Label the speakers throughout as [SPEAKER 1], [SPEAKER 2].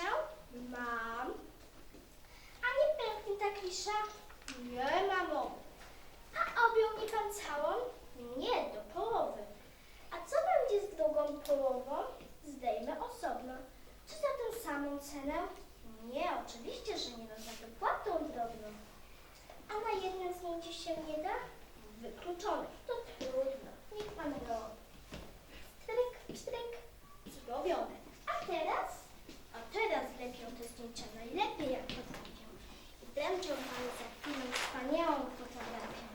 [SPEAKER 1] kliszę? Mam. A nie pęknie ta klisza? Nie, mamo. A objął mi pan całą? Nie, do połowy. A co będzie z drugą połową? Zdejmę osobno. Czy za tę samą cenę? Nie, oczywiście, że nie, no za dopłatą drobną. A na jednym zdjęciu się nie da? Wykluczone. To trudno. Niech pan robi. Stryk, stryk. Zrobione. A teraz? A teraz lepią te zdjęcia najlepiej jak potrafię. I dręczą panu za chwilę wspaniałą fotografię.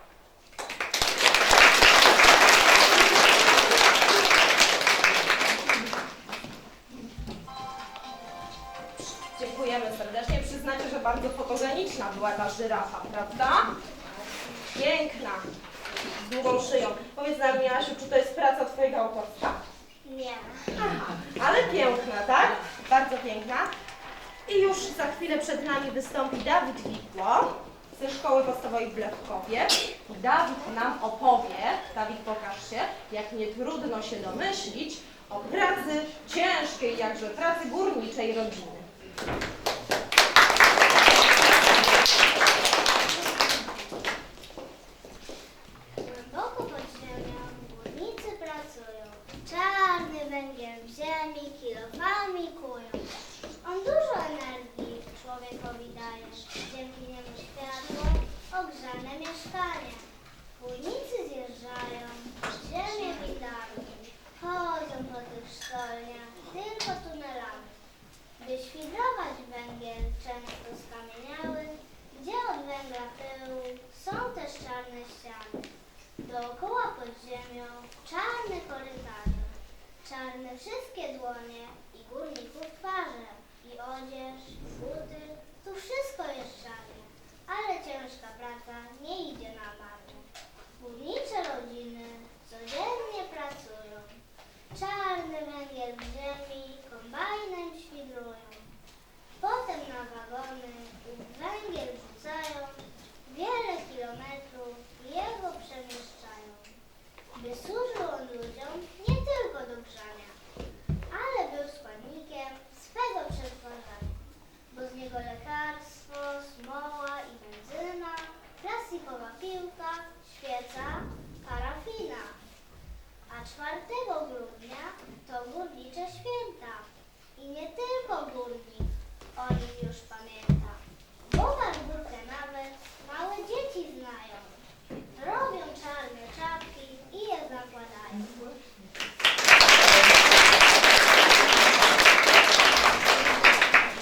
[SPEAKER 2] Dziękujemy serdecznie. Przyznacie, że bardzo fotogeniczna była ta żyrafa, prawda? Piękna, z długą szyją. Powiedz nam, Jasiu, czy to jest praca twojego autorstwa?
[SPEAKER 1] Nie.
[SPEAKER 2] Aha, ale piękna, tak? Bardzo piękna. I już za chwilę przed nami wystąpi Dawid Wikło ze Szkoły Podstawowej w Lewkowie. Dawid nam opowie, Dawid, pokaż się, jak nie trudno się domyślić, o pracy ciężkiej, jakże pracy górniczej rodziny.
[SPEAKER 1] Głęboko pod ziemią górnicy pracują. Czarny węgiel w ziemi kilofami kują. On dużo energii człowiekowi daje. Dzięki niemu światło, ogrzane mieszkanie. Górnicy zjeżdżają, ziemię witają. Chodzą po tych sztolniach tylko tunelami. By świdrować węgiel często skamieniały, gdzie od węgla pyłu są też czarne ściany. Dookoła pod ziemią czarne korytarze, czarne wszystkie dłonie i górników